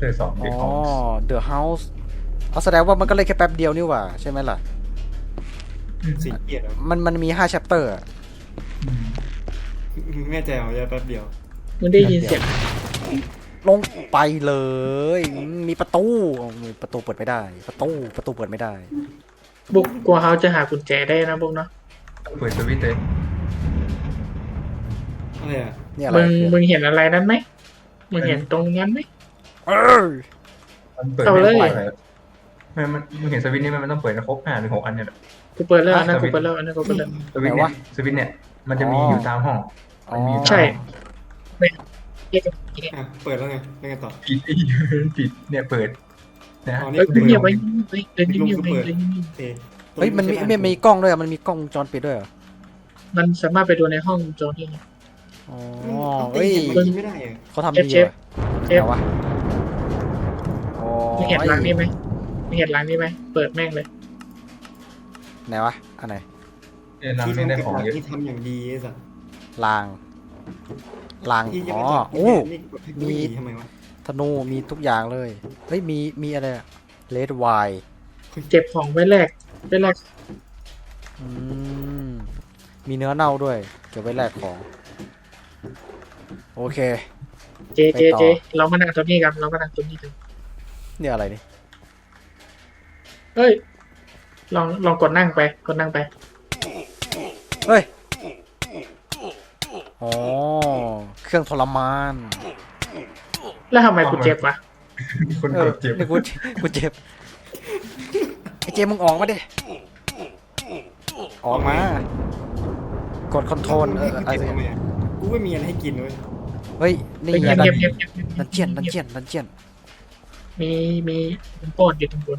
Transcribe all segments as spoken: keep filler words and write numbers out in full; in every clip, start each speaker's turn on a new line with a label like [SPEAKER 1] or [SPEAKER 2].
[SPEAKER 1] เตอร์สอง
[SPEAKER 2] อ๋
[SPEAKER 1] The
[SPEAKER 2] อ
[SPEAKER 1] House
[SPEAKER 2] The House เอาแสดงว่ามันก็เลยแค่แป๊บเดียวนี่หว่าใช่ไหมล่ะ
[SPEAKER 3] สีเกียรติ
[SPEAKER 2] มันมันมีห้า chapter อะ
[SPEAKER 3] แม่ใจเอาจะแป๊บเดียว
[SPEAKER 4] มึงได้ยินเสียง
[SPEAKER 2] ลงไปเลยมีประตูมีประตูเปิดไม่ได้ ประตูประตูเปิดไม่ได้
[SPEAKER 4] บุกกลัวเขาจะหากุญแจได้นะบุกเนาะ
[SPEAKER 1] เปิดสวิตช์เลย
[SPEAKER 3] อะไรอ่ะ
[SPEAKER 2] นี่อะไร
[SPEAKER 4] มึง
[SPEAKER 2] คือ
[SPEAKER 4] มึงเห็นอะไรนั้นไหมมึงเห็นตรงนั้นไหม
[SPEAKER 2] เออ
[SPEAKER 1] มันเปิด
[SPEAKER 4] เอา
[SPEAKER 1] ไม่
[SPEAKER 4] เลย
[SPEAKER 1] ได้เลยมันมันมึงเห็นสวิตช์นี่มันต้องเปิดนะครบห้าหรือหกอันเนี่ยแหละ
[SPEAKER 4] กูเปิดแล้วอันนะกูเปิดแล้วอันนั้นกูเปิดแล้ว
[SPEAKER 1] สวิตช์เนี่ยสวิตช์เนี่ยมันจะมีอยู่ตามห้อง
[SPEAKER 2] อ๋อ
[SPEAKER 1] มันมีอยู่ตาม
[SPEAKER 4] ใช่
[SPEAKER 1] ห้อง
[SPEAKER 4] เรียกกัน
[SPEAKER 3] อ่ะเปิดแล้วไงแล้วไงต่อ
[SPEAKER 1] ปิดไอ้ปิดเนี่ยเปิดนะ
[SPEAKER 3] อ๋อนี่
[SPEAKER 4] เอ้ย
[SPEAKER 3] คือ
[SPEAKER 4] เงียบ
[SPEAKER 3] เปิ
[SPEAKER 4] ไว้
[SPEAKER 3] ด
[SPEAKER 4] เฮ้ยเดินเงียบๆไปเดินเงียบ
[SPEAKER 3] โอเค
[SPEAKER 2] เฮ้ยมันมีมันมีกล้องด้วยอะมันมีกล้องวงจรปิดด้วยเหรอ
[SPEAKER 4] ๆมันสามารถไปดูในห้องโจรที่
[SPEAKER 2] อ๋อ
[SPEAKER 3] เฮ้
[SPEAKER 2] เฮ้
[SPEAKER 3] ย
[SPEAKER 2] ย
[SPEAKER 3] มันไม่ได้อะ
[SPEAKER 2] เขาทำดี
[SPEAKER 4] เชฟ
[SPEAKER 2] ว่ะ
[SPEAKER 4] เช
[SPEAKER 2] เดี๋
[SPEAKER 4] ฟ
[SPEAKER 2] ยววะอ๋อ
[SPEAKER 4] มึงเห็นร้านนี้ไหมมึงเห็นร้านนี้ไหมเปิดแม่งเลย
[SPEAKER 2] ไหนวะอันไหน
[SPEAKER 1] เนี่ยร้าน
[SPEAKER 3] ที่
[SPEAKER 1] นี้
[SPEAKER 3] ทำ
[SPEAKER 1] ได้
[SPEAKER 3] เก็บ
[SPEAKER 1] ของ
[SPEAKER 3] หลัก
[SPEAKER 1] เยอะ
[SPEAKER 3] ที่ทำอย่างดีไอ้สัส
[SPEAKER 2] ลางลาง
[SPEAKER 3] ที่ยัง
[SPEAKER 2] อ๋อ
[SPEAKER 3] ไม่ตัด
[SPEAKER 2] โอ้
[SPEAKER 3] นี่กดให้
[SPEAKER 2] มี
[SPEAKER 3] มีทำไมวะ
[SPEAKER 2] ธนูมีทุกอย่างเลยเฮ้ยมีมีอะไรเลดไวน์
[SPEAKER 4] เก็บของไว้แลกไว้แลก
[SPEAKER 2] อืมมีเนื้อเน่าด้วยเก็บไว้แลกของโอเค
[SPEAKER 4] เจเจเจเรามานั่งตรงนี้กันเรามานั่งตรงนี้กัน
[SPEAKER 2] เนี่ยอะไรนี่
[SPEAKER 4] เฮ้ยลองลองกดนั่งไปกดนั่งไป
[SPEAKER 2] เฮ้ยอ๋อเครื่องทรมาน
[SPEAKER 4] แล้วทำไมกูเจ็บวะ
[SPEAKER 1] คน
[SPEAKER 2] เอก อ
[SPEAKER 1] ดเจ็บ
[SPEAKER 2] นี่กูกูเจ็บไอเจมมึงออกมาดิออกมากดคอนโทรลเอออะไร
[SPEAKER 3] เก็บ
[SPEAKER 2] สักอย่าง
[SPEAKER 3] ทำไมอะกูไม่มีอะไรให้กินเว้ย
[SPEAKER 2] เฮ้ยนี่
[SPEAKER 4] เงี
[SPEAKER 2] ไง
[SPEAKER 4] ยบ
[SPEAKER 2] ดั
[SPEAKER 4] เงี
[SPEAKER 2] น
[SPEAKER 4] ยบเงียบเงียบเงียบ
[SPEAKER 2] ดันเจียนดันเจียนดันเจียน
[SPEAKER 4] มีมีโป้อนอยู่ตรงบน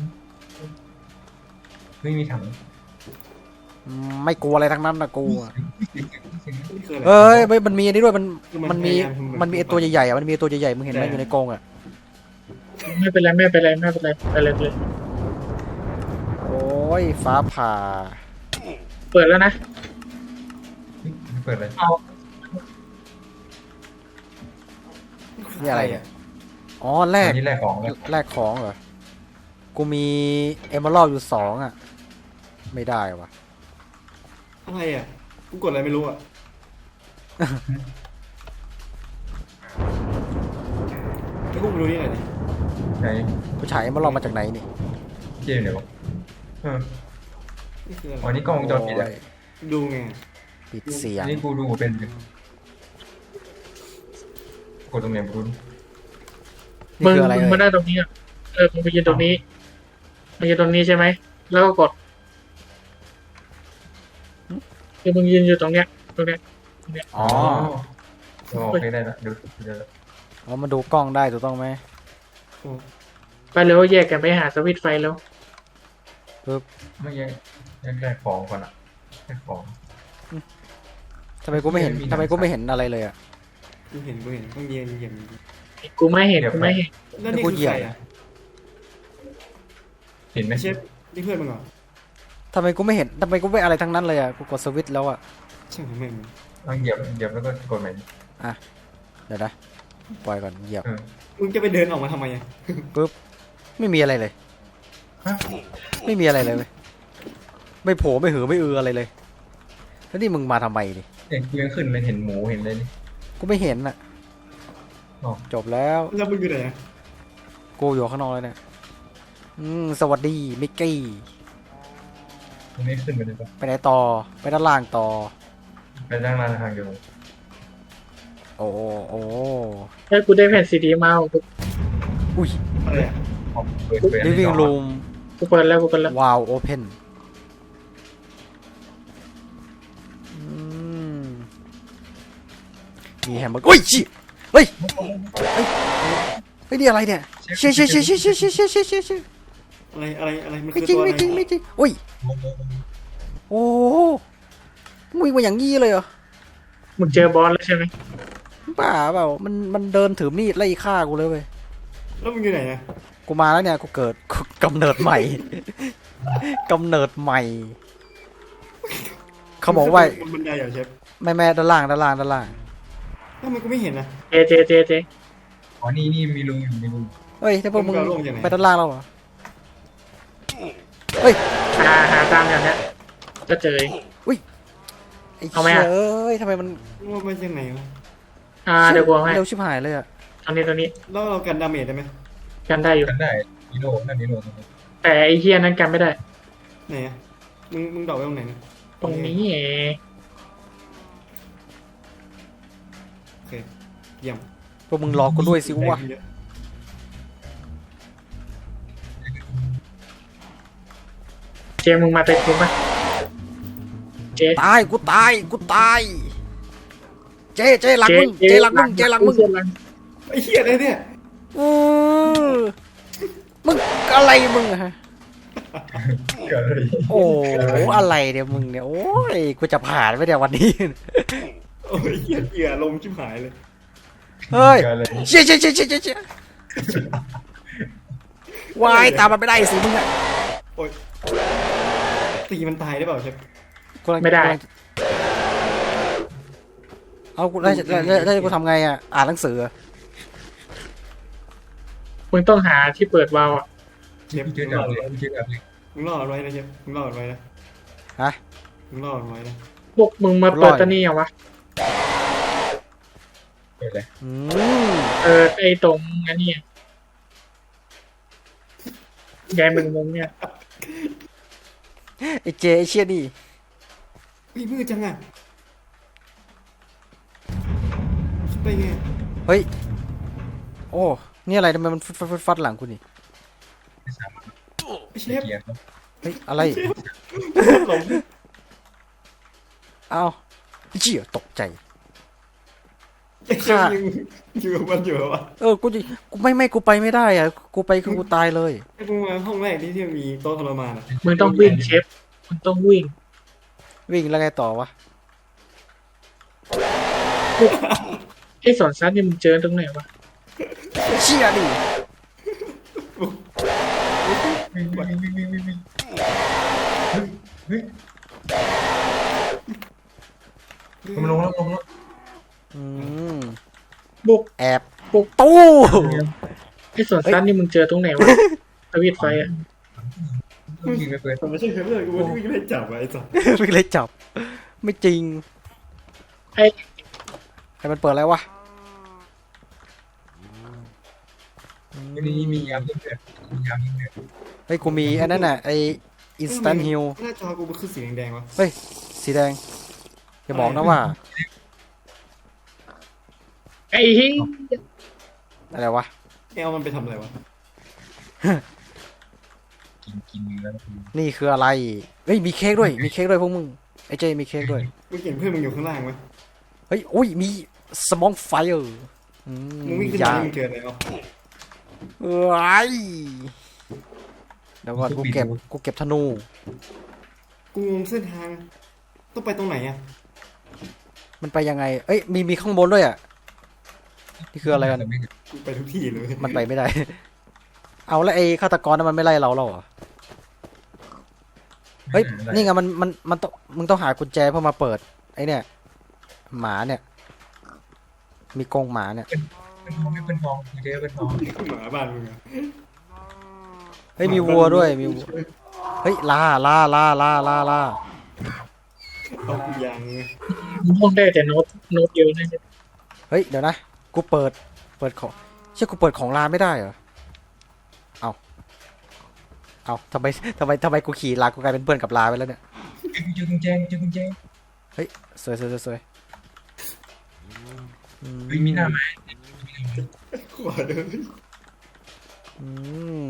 [SPEAKER 1] ไม่มีถัง
[SPEAKER 2] อืมไม่กลัวอะไรทั้งนั้นนะกูอะ
[SPEAKER 3] นี่คืออะไร
[SPEAKER 2] เอ้ยเฮ้ยมันมีอันนี้ด้วยมัน
[SPEAKER 3] คือมัน
[SPEAKER 2] มันมี
[SPEAKER 3] พยายามทำเหมือน
[SPEAKER 2] มันมีไอตัวใหญ่ๆอะมันมีไอ้ตัวใหญ่ๆมึงเห็นไหม
[SPEAKER 3] แต่
[SPEAKER 2] อยู่ในกรงอ่ะ
[SPEAKER 4] ไม่เป็นไรไม่เป็นไรไม่เป็นไรไปเลยไปเลย
[SPEAKER 2] โอ้ยฟ้าผ่า
[SPEAKER 4] เปิดแล้วนะ
[SPEAKER 1] เปิดเลย
[SPEAKER 4] เอา
[SPEAKER 2] นี่อะไรเนี่ยอ๋อแลก
[SPEAKER 1] อันนี้แรกของเลย
[SPEAKER 2] แลกของเหรอกูมีเอมเมอรัลอยู่สองอ่ะไม่ได้วะ
[SPEAKER 3] อะไรอ่ะกูกดอะไรไม่รู้อ่ะให้กูไปดูนี่หน่อยดิ
[SPEAKER 1] ไหน
[SPEAKER 2] กูฉายเอมเมอรัลมาจากไหนนี่
[SPEAKER 1] เกมเดี๋ยวเออ
[SPEAKER 3] นี่คืออะไร
[SPEAKER 1] อ๋อนี่กล้องวงจรปิดอ่ะ
[SPEAKER 2] โอ้ย
[SPEAKER 3] ดูไง
[SPEAKER 2] ปิดเสียง
[SPEAKER 1] นี่กูดูเป็นกดตรงไหนบุญ
[SPEAKER 2] นี่
[SPEAKER 4] มึง
[SPEAKER 2] คืออะไร
[SPEAKER 4] มึง
[SPEAKER 2] เอ่
[SPEAKER 4] มาย นั่งตรงนี้อะเออมึงไปยืนตรงนี้มายืนตรงนี้ใช่ไหมแล้วก็กดคือมึงยืนอยู่ตรงเนี้ยตรงเนี้ย
[SPEAKER 2] อ๋อ
[SPEAKER 1] อ๋อโอเคได้ละดูเดี๋ยว
[SPEAKER 2] อ๋อมาดูกล้องได้ถูกต้องไหม
[SPEAKER 3] โอ้
[SPEAKER 4] ไปเร็วแยกกันไปหาสวิตช์ไฟแล้ว
[SPEAKER 2] ปึ๊บ
[SPEAKER 1] ไม่ยังยังแรกของก่อนอ่ะแรกของ
[SPEAKER 2] ทำไมกูไม่เห็น
[SPEAKER 1] มีหนัง
[SPEAKER 2] ทำไมกูไม่เห็นอะไรเลยอ่ะ
[SPEAKER 3] กูเห็นกูเห็นต้องเย็นเย็น
[SPEAKER 4] กูไม่เห็นกูไม่เห็น
[SPEAKER 3] แล้วนี่คือใครอ่ะ
[SPEAKER 1] เห็นไหม
[SPEAKER 3] เชฟนี่เพื่อนมึงเหรอ
[SPEAKER 2] ทำไมกูไม่เห็นทำไมกูไม่อะไรทั้งนั้นเลยอ่ะกูกดสวิตช์แล้วอ่ะ
[SPEAKER 3] ช่างแม่ง
[SPEAKER 1] ต้องเหยียบเหยียบแล้วก็กดใหม่
[SPEAKER 2] เดี๋ยวนะปล่อยก่อนเหยียบ
[SPEAKER 1] เออ
[SPEAKER 3] มึงจะไปเดินออกมาทำไมอ่ะ
[SPEAKER 2] ปึ๊บไม่มีอะไรเลย
[SPEAKER 1] ฮะ
[SPEAKER 2] ไม่มีอะไรเลยเว้ยไม่โผล่ไม่หือไม่อืออะไรเลยแล้วนี่มึงมาทำไมดิ
[SPEAKER 1] เห็นกูยังขึ้นเลยเห็นหมูเห็นเลยนี่
[SPEAKER 2] กูไม่เห็นอ่ะ
[SPEAKER 1] อ๋อ
[SPEAKER 2] จบแล้ว
[SPEAKER 3] แล้วมึงอยู่ไหนอ่ะ
[SPEAKER 2] กูอยู่ข้างนอกเลยเนี่ยอืมสวัสดีมิกกี้
[SPEAKER 1] มันไม่ขึ้นไปเลยปะ
[SPEAKER 2] ไปไหนต่อไปด้านล่างต่อ
[SPEAKER 1] ไปด้านล่างทางเดียว
[SPEAKER 2] โอ้โอ้
[SPEAKER 4] เฮ้ยกูได้แผ่นซีดีมาเอากู
[SPEAKER 2] อุ้ย
[SPEAKER 3] อะไรอ่ะ
[SPEAKER 1] ออกเปิดเปิดอันที่
[SPEAKER 2] living
[SPEAKER 1] สอง
[SPEAKER 2] room
[SPEAKER 4] กูเปิดแล้วกูเปิดแล้ว
[SPEAKER 2] ว้าวโอเพนมีแฮมเบอร์เกอร์อุ้ยชิเฮ้ยเฮ้ยเฮ้ยนี่อะไรเนี่ยเชี่ยเชี่ยเชี่ยเชี่ยเชี่ยเชี่ยเชี่ยเชี่ยเชี่ยเชี่ย
[SPEAKER 3] อะไรอะไรอะไรมัน
[SPEAKER 2] ไม่
[SPEAKER 3] คือ
[SPEAKER 2] จริง
[SPEAKER 3] ตัวอะไร
[SPEAKER 2] ไม่จริงไม่จริงอุ้ยโอ้โหมึงวิ่งมาอย่างงี้เลยเหรอ
[SPEAKER 4] มึงเจอบอสแล้วใช่ไหม
[SPEAKER 2] บ้าเปล่ามันมันเดินถือมีดไล่ฆ่ากูเลยเว้ย
[SPEAKER 3] แล้วมึงอยู่ไหนอ่ะ
[SPEAKER 2] กูมาแล้วเนี่ยกูเกิดกูกำเนิดใหม่ กำเนิดใหม่ เขาบอกว่า
[SPEAKER 3] บนบันไดเหรอเชฟ
[SPEAKER 2] แม่แม่ด้านล่างด้านล่างด้านล่าง
[SPEAKER 3] แล้วมันกูไม่เห็นนะ
[SPEAKER 4] เจเจเจเจ
[SPEAKER 1] อ๋อนี่นี่มีรูอยู่มีรู
[SPEAKER 2] เเฮ้ยถ้าพวกมึง
[SPEAKER 3] มึงเอาลงยังไง
[SPEAKER 2] ไปด้านล่างแล้วเหรอเฮ้ย
[SPEAKER 4] หาหาตามอย่างเนี้ยจะเจอเอง
[SPEAKER 2] ไอ้
[SPEAKER 4] เอาไหม
[SPEAKER 2] เหี้ย
[SPEAKER 4] อะ
[SPEAKER 2] เอ้ยทำไมมัน
[SPEAKER 3] ว่ามันยังไงวะ
[SPEAKER 4] อ่าเดี๋ยวกูเอาให้
[SPEAKER 2] เร็วชิบหายเลยอะ
[SPEAKER 4] ตอนนี้ตอนนี้
[SPEAKER 3] แล้วเรากันดาเมจได้ไหม
[SPEAKER 4] กันได้อยู่
[SPEAKER 1] กันได้นิโน่นั่นนิโน่ตรงนี้
[SPEAKER 4] แต่ไอ้เฮียนั้นกันไม่ได้
[SPEAKER 3] ไหนอะมึงมึงดอกไว้ตรงไหนนะ
[SPEAKER 4] ตรงนี้เอง
[SPEAKER 3] โอเคเยี่ยม
[SPEAKER 2] พวกมึงรอกูด้วยสิวะ
[SPEAKER 3] เยอ
[SPEAKER 4] เจมึงมาเตะกูปะเจ
[SPEAKER 2] ตายกูตายกูตายเจเจหลังมึงเจหลังมึงเจหลังมึง
[SPEAKER 4] เจหลัง
[SPEAKER 3] ไอ้เหี้ยอะไรเนี่ย
[SPEAKER 2] อือมึงอะไรมึงอะฮะ
[SPEAKER 1] เกิดอะไร
[SPEAKER 2] โอ้โหอะไรเนี่ยมึงเนี่ยโอ้ยกูจะผ่านไปเดี๋ยววันนี้
[SPEAKER 3] โอ้ยเหี้ยเหี้ยลมชิบหายเลย
[SPEAKER 2] เฮ้ย
[SPEAKER 1] เกิดอะไร
[SPEAKER 2] เชี่ยเชี่ยเชี่ยเชี่ยเชี่ย วายตามมันไม่ได้สิมึงอะ
[SPEAKER 3] โอ้ยตีมันตายได้เปล่าเชฟ
[SPEAKER 2] กูกำลัง
[SPEAKER 4] ไม่ได้
[SPEAKER 2] กำลังเอากูได้ได้ได้ได้กูทำไงอะอ่านหนังสืออะ
[SPEAKER 4] มึงต้องหาที่เปิดวาล์วอ่ะ
[SPEAKER 3] เชฟ
[SPEAKER 1] เจ
[SPEAKER 3] มึ
[SPEAKER 1] อง กับ
[SPEAKER 3] รอด
[SPEAKER 1] เลย
[SPEAKER 3] ไว้
[SPEAKER 1] เจอกับเลย
[SPEAKER 3] มึงรอดไว้นะเชฟมึงรอดไว้นะ
[SPEAKER 2] ฮะ
[SPEAKER 3] มึงรอดไว้นะ
[SPEAKER 4] พวกมึงมาเปิดตัวนี้ยังวะ
[SPEAKER 1] เกิดอะไร
[SPEAKER 2] อืม
[SPEAKER 4] เออไอตรงอันนี้ยายมึงมึงเนี่ย
[SPEAKER 2] ไอเจไอเชี่ยนี่
[SPEAKER 3] เฮ้ยมืดจังอะไปไง
[SPEAKER 2] เฮ้ยโอ้นี่อะไรทำไมมันฟึดฟัดฟึดฟัดหลังกูนี่
[SPEAKER 1] ไม่สามารถ
[SPEAKER 3] ไอ้เช
[SPEAKER 1] เกี
[SPEAKER 3] ฟ
[SPEAKER 1] ยร์ครับ
[SPEAKER 2] เฮ้ยอะไร
[SPEAKER 3] หลง
[SPEAKER 2] เอ้าเชี่ยตกใจ
[SPEAKER 3] ไอ้เชฟยังอยู่กับมันอยู่เหรอวะ
[SPEAKER 2] เออกูจะกูไม่ไม่กูไปไม่ได้อะกูไปคือกูตายเลย
[SPEAKER 3] ไอ้พวกมาห้องแรกที่ที่มีโต๊ะทรมานอะ
[SPEAKER 4] มึงต้องวิ่งเชฟมึงต้องวิ่ง
[SPEAKER 2] วิ่งแล้วไงต่อวะ
[SPEAKER 4] ไอ้สอนซัดนี่มึงเจอตรงไหนวะ
[SPEAKER 2] เชี่ยดิ
[SPEAKER 1] วิ่งวิ่งวิ่งวิ่งวิ่งวิ่งเฮ้ยเฮ้ยมันลงแล้วลงแล้ว
[SPEAKER 2] อืม
[SPEAKER 4] บุก
[SPEAKER 2] แอบ
[SPEAKER 4] บุก
[SPEAKER 2] ตู้
[SPEAKER 4] ไอ้สอนซัดนี่มึงเจอตรงไหนวะทวิตไฟอ่ะ
[SPEAKER 1] ยิงไปเปิด
[SPEAKER 3] แต่ไม่ใช่เพื่อนกูว่าวิ่งไล่จับอะไอ้สัส
[SPEAKER 2] วิ่งเลยจับ ไม่จริง
[SPEAKER 4] ไอ้
[SPEAKER 2] ให้มันเปิดอะไรวะ
[SPEAKER 1] วันนี้มียามยิงเดือดมียามยิงเดือด
[SPEAKER 2] เฮ้ยกูมีอันนั้นน่ะไอ instant heal
[SPEAKER 3] หน้าจอกูมันคือสีแดงๆวะ
[SPEAKER 2] เฮ้ยสีแดงอย่าบอกนะว่า
[SPEAKER 4] ไอ้เฮ้ย
[SPEAKER 2] อะไรวะ
[SPEAKER 3] แอลมันไปทำอะไรวะ
[SPEAKER 1] กินกินเนื้อ
[SPEAKER 2] นี่คืออะไรเฮ้ยมีเค้กด้วยมีเค้กด้วยพวกมึงไอเจมีเค้กด้วย
[SPEAKER 3] มึงเห็นเพื่อนมึงอยู่ข้างล่างไหม
[SPEAKER 2] เฮ้ยอุ้ยมีสมองไฟเออร์อื
[SPEAKER 3] มึงวิ่งขึ้น
[SPEAKER 2] ยา
[SPEAKER 3] มามึงเจออะไรวะ
[SPEAKER 2] เอ้ยเดี๋ยวก่อนกูเก็บกูเก็บธนู
[SPEAKER 3] กูงงเส้นทาง ต้องไปตรงไหนอะ
[SPEAKER 2] มันไปยังไง เอ้ย มี มีข้างบนด้วยอ่ะ นี่คืออะไรกัน
[SPEAKER 3] กูไปทุกที่เลย
[SPEAKER 2] มันไปไม่ได้ เอาแล้วไอ้ฆาตกรนั้นมันไม่ไล่เราแล้วเหรอ เฮ้ย นี่ไงมัน มัน มันต้อง มึงต้องหากุญแจเพื่อมาเปิด ไอ้เนี่ย หมาเนี่ย มีกรงหมาเนี่ย
[SPEAKER 1] เป็นทองไม่เป็นทองเจอเป็นทอง
[SPEAKER 3] หมาบ้านมึงอะ
[SPEAKER 2] เฮ้ย มีวัวด้วย มีวัว เฮ้ย ลา ลา ลา ลา ลา ลา
[SPEAKER 3] เอากูยางไง
[SPEAKER 4] มึงห้องได้แต่โน้ตโน้ตเดียวนะ
[SPEAKER 2] เฮ้ย เดี๋ยวนะ กูเปิด เปิดของเชื่อกูเปิดของลาไม่ได้เหรอ เอาเอาทำไมทำไมทำไมกูขี่ลา กูกลายเป็นเพื่อนกับลาไปแล้วเนี่ย
[SPEAKER 1] เจอกุญแจเจอกุญแจ
[SPEAKER 2] เฮ้ย สวยสวยสวยสวยอืม
[SPEAKER 1] เฮ้ยมีหน้าไหม
[SPEAKER 3] ขวาเลย
[SPEAKER 2] อืม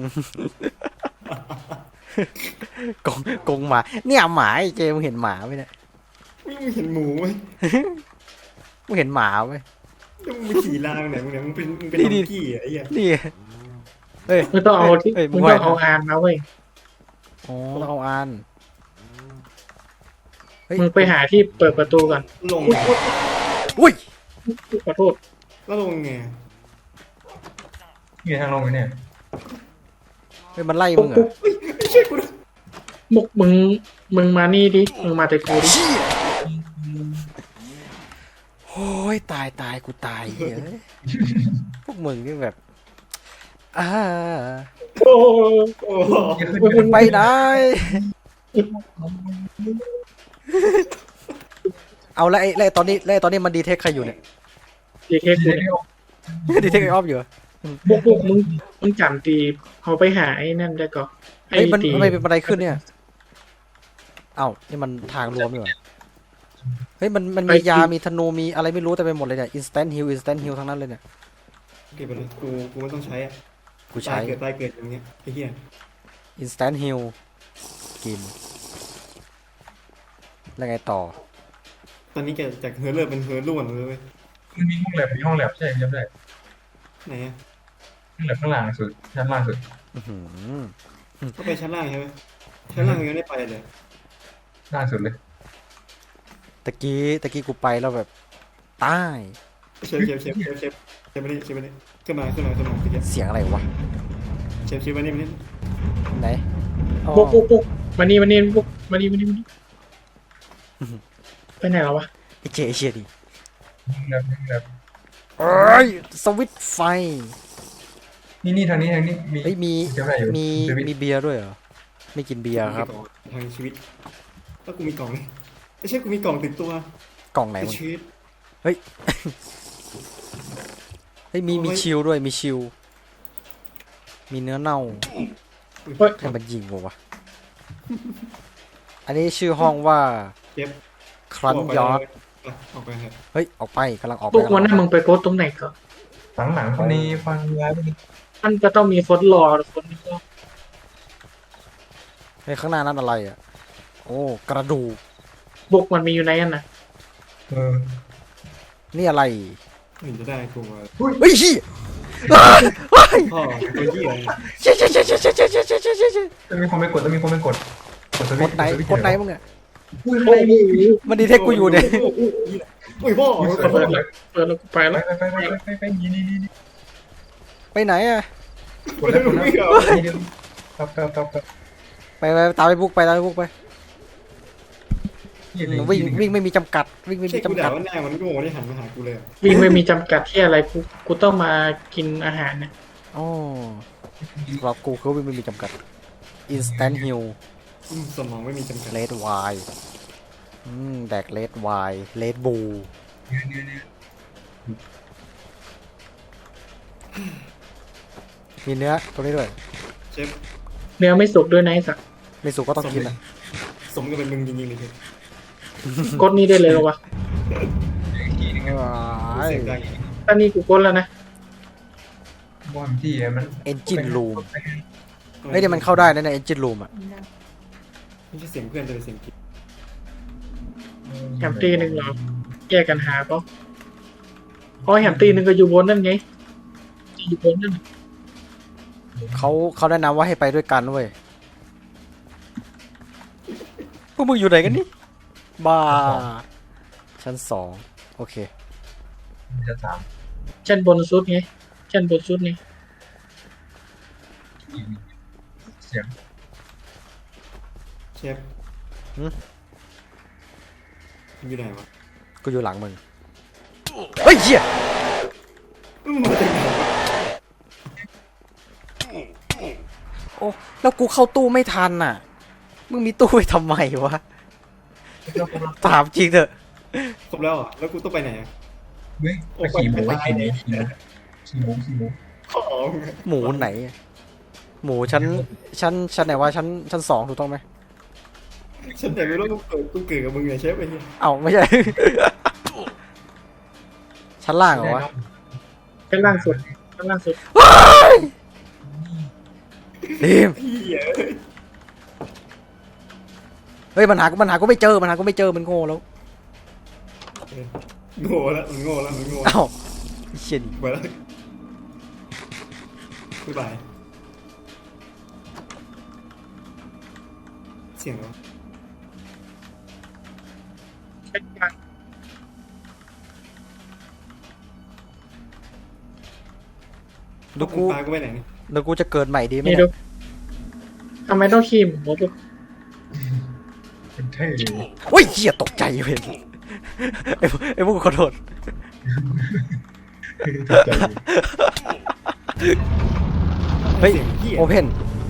[SPEAKER 2] กงกงหมา เนี่ยหมาไอ้เจมึงเห็นหมาไหมเนี่ย
[SPEAKER 3] มึงเห็นหมูไหม
[SPEAKER 2] มึงเห็นหมาไหม
[SPEAKER 3] แล้วมึงไปขี่ลางไหนมึงเนี่ยมึงเป็นมึงเป็น
[SPEAKER 2] นี่
[SPEAKER 3] ด
[SPEAKER 2] นี่
[SPEAKER 3] องกี้อะไอ้เหี้ย
[SPEAKER 2] นี่เฮ้ย
[SPEAKER 4] มึงต้องเอาที่
[SPEAKER 2] เฮ้ย
[SPEAKER 4] มึง
[SPEAKER 2] ไหว
[SPEAKER 4] ต้องเอาอานมาเว้ย
[SPEAKER 2] อ๋อต้องเอาอันเฮ้ย
[SPEAKER 4] มึงไปหาที่เปิดประตูก่อน
[SPEAKER 3] ลง
[SPEAKER 2] อุ้ย
[SPEAKER 4] ขอโทษ
[SPEAKER 3] แล้วลงไง
[SPEAKER 1] มีทางลงไหมเนี่ย
[SPEAKER 2] เฮ้ยมันไล่มึงเหรอ
[SPEAKER 3] ไม่ใช่กูนะ
[SPEAKER 4] มุกมึงมึงมานี่ดิมึงมาแต่กูดิ
[SPEAKER 2] เชี่ยโอ้ยตายตายกูตายเฮ้ยพวกมึงนี่แบบอ่า
[SPEAKER 4] โอ้โห
[SPEAKER 3] โอ้โห
[SPEAKER 2] มึงไปไหนเอาแล้วไอ้แล้วไอ้ตอนนี้แล้วไอ้ตอนนี้มันดีเทคใครอยู่เนี่ย
[SPEAKER 4] ดีแค่กูเนี่ย
[SPEAKER 2] ดีเทคไอ้ออฟอยู่เหรอ
[SPEAKER 4] พวกพวกมึงมึงจำตีเขาไปหาไอ้นั่นได้ก่อนไอ้
[SPEAKER 2] เฮ้ยมัน
[SPEAKER 4] ตี
[SPEAKER 2] ทำไมเป็นบันไดขึ้นเนี่ยเอ้านี่มันทางรวมอยู่เหรอเฮ้ยมันมันมียามีธนูมีอะไรไม่รู้แต่ไปหมดเลยเนี่ย instant heal instant heal ทั้งนั้นเลยเนี่ย
[SPEAKER 3] เก็บไปเลยกูกูไม่ต้องใช้อะ
[SPEAKER 2] กู
[SPEAKER 3] ตา
[SPEAKER 2] ใช้
[SPEAKER 3] ยเกิดตายเกิดอย่างเงี้ยไอ้เหี้ย
[SPEAKER 2] instant heal กินแล้วไงต่อ
[SPEAKER 3] ตอนนี้แกจากเฮอร์เลอร์เป็นเฮอร์ล้วนเลยเว้ย
[SPEAKER 1] มันมีห้องแลบมีห้องแลบใช่จำได้
[SPEAKER 3] ไหนอะ
[SPEAKER 1] ห้องแลบข้างล่างสุดชั้นล่างสุด
[SPEAKER 2] อื้อหือ
[SPEAKER 3] ก็ไปชั้นล่างใช่ไหมชั้นล่างยังไม่ได้ไปเลย
[SPEAKER 1] ล่างสุดเลย
[SPEAKER 2] ตะกี้ตะกี้กูไปแล้วแบบตาย
[SPEAKER 3] เชฟเชฟเชฟเชฟเชฟเชฟมานี่เชฟมานี่ขึ้นมาขึ้นมาขึ้นมาเชฟ
[SPEAKER 2] เสียงอะไรวะ
[SPEAKER 3] เชฟเชฟมานี่มานี่
[SPEAKER 2] ไหนอ๋อ
[SPEAKER 4] พวกพวกพวกมานี่มานี่พวกมานี่มานี่มานี่ไปไหนแล้ววะ
[SPEAKER 2] ไอเจไอเชียดิ
[SPEAKER 1] ห้องแลบห้องแลบ
[SPEAKER 2] เอ้ยสวิตช์ไฟ
[SPEAKER 1] นี่นี่ทางนี้ทางนี้มี
[SPEAKER 2] เฮ้ยมี
[SPEAKER 1] จำได้อยู่
[SPEAKER 2] มี
[SPEAKER 1] สวิตช์
[SPEAKER 2] มีเบียร์ด้วยเหรอไม่กินเบียร์ครับ
[SPEAKER 3] มีกล่องทางชีวิตแล้วกูมีกล่องเลยไม่ใช่กูมีกล่องติดตัว
[SPEAKER 2] กล่องไหน
[SPEAKER 3] แต่
[SPEAKER 2] มัน
[SPEAKER 3] ชีวิต
[SPEAKER 2] เฮ้ยมีมีชิลด้วยมีชิลมีเนื้อเน่า
[SPEAKER 4] เฮ้ย
[SPEAKER 2] ให้มันยิงวะอันนี้ชื่อห้องว่า
[SPEAKER 3] เชฟ
[SPEAKER 2] ครันยอด
[SPEAKER 3] ออกไปเถอะ
[SPEAKER 2] เฮ้ยออกไปกำลังออกไป
[SPEAKER 4] พวกวัน
[SPEAKER 2] กำลั
[SPEAKER 4] นั้
[SPEAKER 2] ง
[SPEAKER 4] น
[SPEAKER 2] อ
[SPEAKER 4] มึ
[SPEAKER 2] อก
[SPEAKER 4] งไปโพสต์ตรงไหนก่อน
[SPEAKER 1] หลังหลังคนนี้ฟังย้ายไปนี่
[SPEAKER 4] มันก็ต้องมีคนรอคนนี้ก็
[SPEAKER 2] เฮ้ยข้างหน้านั่นอะไรอ่ะโอ้กระดูก
[SPEAKER 4] พวกมันมีอยู่ในนั้นนะ
[SPEAKER 1] เออ
[SPEAKER 2] นี่อะไร
[SPEAKER 3] ถึงจะได้กูมา
[SPEAKER 2] เฮ้ยชี้อ้าวเฮ้ย
[SPEAKER 3] พ่อตัวยี่อะไร
[SPEAKER 2] เชี่ยเชี่ยเชี่ยเชี่ยเชี่ยเชี่ยเชี่ยเชี่ยเชี่ยเชี่ยเชี่ย
[SPEAKER 1] ต้องมีคนไปกดต้องมีคนไปกดกดส
[SPEAKER 2] ก
[SPEAKER 1] วิต
[SPEAKER 2] ด
[SPEAKER 1] ช์
[SPEAKER 2] ไหน
[SPEAKER 1] สวิตช์
[SPEAKER 2] กดไหนมึงอ่ะ
[SPEAKER 1] อุ้ย
[SPEAKER 4] โอ้โห
[SPEAKER 2] มันดีเทคกูอยู่เนี่ย
[SPEAKER 3] อุ้ยพ่อ
[SPEAKER 4] เปิดแล้วเปิดแล้วกูไป
[SPEAKER 1] ไป
[SPEAKER 4] แล้ว
[SPEAKER 1] ไปไปไปไปไปนี่นี่นี่
[SPEAKER 2] ไปไหนอ่ะ
[SPEAKER 1] กดแล้วกดแล้ว
[SPEAKER 3] ไม่เอา
[SPEAKER 1] นี่เดี๋ยวครับครับครับครับ
[SPEAKER 2] ไปไปตามไปบุกไปตามไปบุกไป
[SPEAKER 1] นี่นี่
[SPEAKER 2] วิ่งวิ่งไม่มีจำกัดวิ่งไม่
[SPEAKER 3] ใช่
[SPEAKER 2] มี
[SPEAKER 3] กู
[SPEAKER 2] จำ
[SPEAKER 3] ด่า
[SPEAKER 2] กัด
[SPEAKER 3] ว่าหน้ามันโง่ที่หันมาหากูเลย
[SPEAKER 4] วิ่งไม่มีจำกัดที่อะไรกูกูต้องมากินอาหารนะ
[SPEAKER 2] อ๋อสำหรับกูคือวิ่งไม่มีจำกัด instant heal
[SPEAKER 3] อืมสมองไม่มีจำกัด
[SPEAKER 2] red wine อืมแดก red wine red bull มีเนื้อตรงนี้ด้วย
[SPEAKER 3] เชฟ
[SPEAKER 4] เนื้อไม่สุกด้วยนะไอ้สัก
[SPEAKER 2] ไม่สุกก็ต้องกินนะ
[SPEAKER 3] สมกับเป็นมึงจริงๆเลยเชฟ
[SPEAKER 4] กดนี้ได้เลยเหรอวะ
[SPEAKER 2] ว้าย
[SPEAKER 3] เสียงดัง
[SPEAKER 4] ตอนนี้กูกดแล้วนะ
[SPEAKER 1] บอมที่มัน
[SPEAKER 2] engine room เฮ้ยเดี๋ยวมันเข้าได้นะใน engine room อ่ะ
[SPEAKER 3] ไม่ใช่เสียงเพื่อนแต่เป็นเสียงกิ๊ก
[SPEAKER 4] แฮมตีหนึ่งเหรอแยกกันหาปะอ๋อแฮมตีหนึ่งก็อยู่บนนั่นไงอยู่บนนั่น
[SPEAKER 2] เขาเขาแนะนำว่าให้ไปด้วยกันเว้ยพวกมึงอยู่ไหนกันนี่บ้าชั้นสองโอเค
[SPEAKER 1] จะสาม
[SPEAKER 4] ชั้นบนสุดไงชั้นบนสุดนี่
[SPEAKER 1] เสียง
[SPEAKER 3] เชฟอยู่ไหนวะ
[SPEAKER 2] กูอยู่หลังมึงเฮ้ยเหี้ย
[SPEAKER 3] อืมมาจากไหนวะ
[SPEAKER 2] โอ้แล้วกูเข้าตู้ไม่ทันน่ะ มึงมีตู้ไว้ทำไมวะ ถามจริงเถอะ
[SPEAKER 3] ครบแล้วเหรอ่ะแล้วกูต้องไปไหนอ่ะ
[SPEAKER 1] เฮ้ยไปขี่หมูไปขี่หมูขี่หมูขี่หมูขี่หมู
[SPEAKER 3] อ๋อ
[SPEAKER 2] หมูไหน หมูชั้นชั้นชั้นไหนวะชั้นชั้นสองถูกต้องไหม
[SPEAKER 3] ฉันแต่ไม่รู้กูเกิดกูเกิดกับมึงไงเชฟไอ้เหี้ย
[SPEAKER 2] เอ้าไม่ใช่ ชั้นล่างเหรอวะ
[SPEAKER 4] ชั้นล่างสุดชั้นล่างสุด
[SPEAKER 2] ดีม
[SPEAKER 3] เหี้ย
[SPEAKER 2] เฮ้ยมันหากูมันหากูไม่เจอมันหากูไม่เจอมันโง่แล้ว
[SPEAKER 3] โง่แล้วมันโง่แล้วมันโง่แล้ว
[SPEAKER 2] เอ้าไอ้เชี่ยนี่
[SPEAKER 3] ไปแล้วบ๊ายบายเสียงเหรอ
[SPEAKER 4] ชั้นกลาง
[SPEAKER 2] ดูกู
[SPEAKER 3] ปลากูไปไหนเนี่ย
[SPEAKER 2] เดี๋ยวกูจะเกิดใหม่ดีไหม
[SPEAKER 4] นี่
[SPEAKER 2] เนี่
[SPEAKER 4] ดู
[SPEAKER 2] ย
[SPEAKER 4] ทำไมต้องขีมหมด
[SPEAKER 1] เป็นเท่
[SPEAKER 2] โอ้ยเหี้ยตกใจเว้ยไอ้พวกไอ้พวกขอโทษ
[SPEAKER 1] ใจ
[SPEAKER 2] เฮ้ย
[SPEAKER 3] สีงเหี้ย
[SPEAKER 2] โอเพน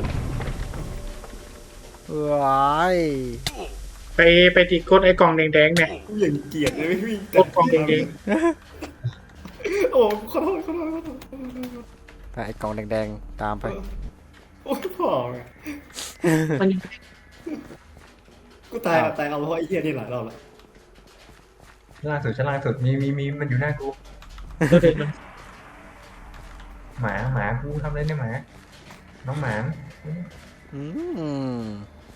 [SPEAKER 2] ว้าย
[SPEAKER 4] ไปไปติดกดไอ้กล่องแดงๆเนี่ย
[SPEAKER 3] กูอย่างเกลียดเลยพี่
[SPEAKER 4] กดกล่องแดง
[SPEAKER 3] โอ้ขอโทษขอโทษขอโทษ
[SPEAKER 2] ไปไอ้กล่องแดงๆตามไป
[SPEAKER 3] โอ้ยพ่อไง
[SPEAKER 4] ๆมัน
[SPEAKER 3] กูตายอะตายเอาเพราะไอ้เหี้ยนี่หลายรอบแล้ว
[SPEAKER 1] ชั้นล่างสุดชั้นล่างสุดมีมีมีมันอยู่หน้ากู
[SPEAKER 4] ตัวเด็กมัน
[SPEAKER 1] หมาหมากูทำอะไรเนี่ยหมาน้องหมา
[SPEAKER 2] อืม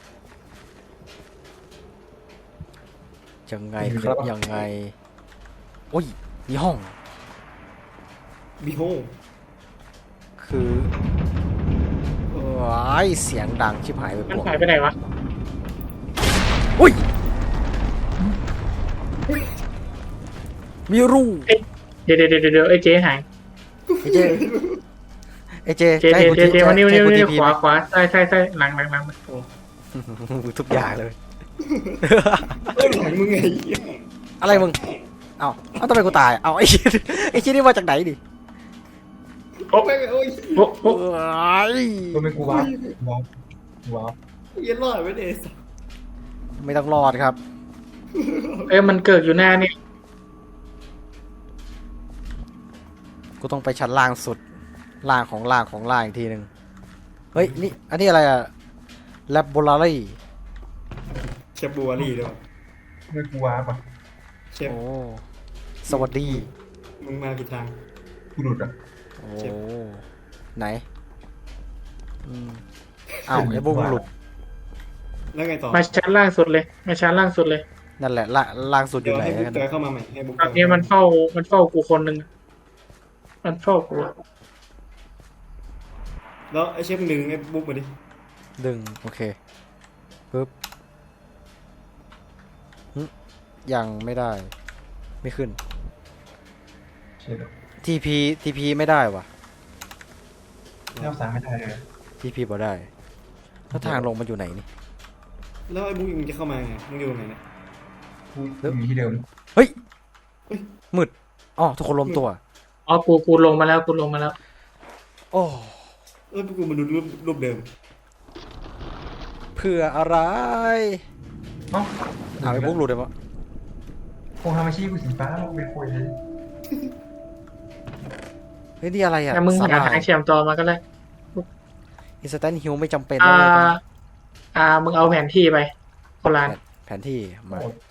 [SPEAKER 2] ยังไงครับยังไงโอ้ยมีห้อง
[SPEAKER 3] บีโฮ
[SPEAKER 2] คือว้ายเสียงดังชิบหายไป
[SPEAKER 4] มัน
[SPEAKER 2] ปวง
[SPEAKER 4] หายไปไหนวะ
[SPEAKER 2] อุ้ยมีรู
[SPEAKER 4] เดี๋ยวเดี๋ยวเดี๋ยวเดี๋ยวไอ้เจ๊หาย
[SPEAKER 2] ไอ้เจไอ้เจ
[SPEAKER 4] เจ๊
[SPEAKER 2] จะให้
[SPEAKER 4] เจ๊
[SPEAKER 2] กู
[SPEAKER 4] เจ๊เจ๊มานี่มา
[SPEAKER 2] จะ
[SPEAKER 4] นี่
[SPEAKER 2] ให้
[SPEAKER 4] มา
[SPEAKER 2] กู
[SPEAKER 4] นี่
[SPEAKER 2] ทีพี
[SPEAKER 4] ข
[SPEAKER 2] ไหม
[SPEAKER 4] วาขวาใช่ใช่ใช่หลังหลังหลัง
[SPEAKER 2] ทุกอย่างเลย
[SPEAKER 3] เอ้ยหลังมึงไงเหี้ย
[SPEAKER 2] อะไรมึง เอ้าเอ้าทำไมกูตาย เอาไอ้ชิ้นไอ้ชิ้นนี่มาจากไหนดิ
[SPEAKER 4] โอ้
[SPEAKER 3] ไม่ไม่โอ้ย
[SPEAKER 4] โอ้โอ้
[SPEAKER 2] ว้าย
[SPEAKER 1] ตัวเป็นกูว้าวว้าวว้าว
[SPEAKER 3] เหี้ย็นรอดไม่ได้สัส
[SPEAKER 2] ไม่ต้องรอดครับ
[SPEAKER 4] เอ้ยมันเกิดอยู่หน้านี่
[SPEAKER 2] กูต้องไปชั้นล่างสุด ล่างของล่างของล่างอีกทีหนึ่งเฮ้ย นี่ อันนี้อะไรอะ laboratory
[SPEAKER 3] เชฟบัวรี่ด้วย
[SPEAKER 1] ไม่กูว้าวป่ะ
[SPEAKER 3] เชฟ
[SPEAKER 2] โอ้ สวัสดี
[SPEAKER 3] มึงมาผิดทาง
[SPEAKER 1] กูหลุดอ่ะ
[SPEAKER 2] โอ้
[SPEAKER 3] เจ็บ
[SPEAKER 2] ไหนอืมอ้าวไอ้บุ้งหลุด
[SPEAKER 3] แล้วไงต่อ
[SPEAKER 4] มาชั้นล่างสุดเลยมาชั้นล่างสุดเลย
[SPEAKER 2] นั่นแหละล่าล่างสุดอ
[SPEAKER 3] เดี๋ย
[SPEAKER 2] ยู่
[SPEAKER 3] ว
[SPEAKER 2] ไหน
[SPEAKER 3] ให้บุ๊ก
[SPEAKER 2] กัน
[SPEAKER 3] จอยเข้ามาใหม่ให้บุ๊ก
[SPEAKER 4] ตอนนี้มันเฝ้ามันเฝ้ากูคนหนึ่งมันเฝ้ากู
[SPEAKER 3] แล้วไอ้เชฟหนึ่งไอ้บุ๊กมาดิ
[SPEAKER 2] ดึง โอเคปึ๊บหึยังไม่ได้ ไม่ขึ้น
[SPEAKER 1] เชี่ย
[SPEAKER 2] ทีพี ทีพีไม่ได้วะ
[SPEAKER 1] เล่าสามไม่ได้เลย
[SPEAKER 2] ทีพีบ่ได้แล้วทางลงมันอยู่ไหนนี่
[SPEAKER 3] แล้วไอ้บุ๊กมึงจะเข้ามาไงมึงอยู่ไหนเนี่ย
[SPEAKER 1] กูอยู่ที่เดิม
[SPEAKER 2] เฮ้ย มืดอ๋อทุกคนรวมตัว
[SPEAKER 4] อ๋อกูกูลงมาแล้วกูลงมาแล้ว
[SPEAKER 2] โอ้
[SPEAKER 3] เอ้ยกูมาดูรูปรูปเดิม
[SPEAKER 2] เพื่ออะไร
[SPEAKER 1] เอ้า
[SPEAKER 2] เอาไปพวกหลุดเลยวะ
[SPEAKER 1] คงทำอาชีพกูสีฟ้ามึงเป็นคุยเลย
[SPEAKER 2] เฮ้ยนี่อะไรอ่ะ
[SPEAKER 4] แต่มึง
[SPEAKER 2] สา
[SPEAKER 4] หา
[SPEAKER 2] หร่า
[SPEAKER 4] ทาย งเชื่อมต่อมาก็ได้
[SPEAKER 2] อินสแตนฮิลไม่จำเป็น
[SPEAKER 4] อ่า
[SPEAKER 2] เลยนะ
[SPEAKER 4] อ่ามึงเอาแผนที่ไปโคราณ
[SPEAKER 2] แผนที่มา
[SPEAKER 1] โอ้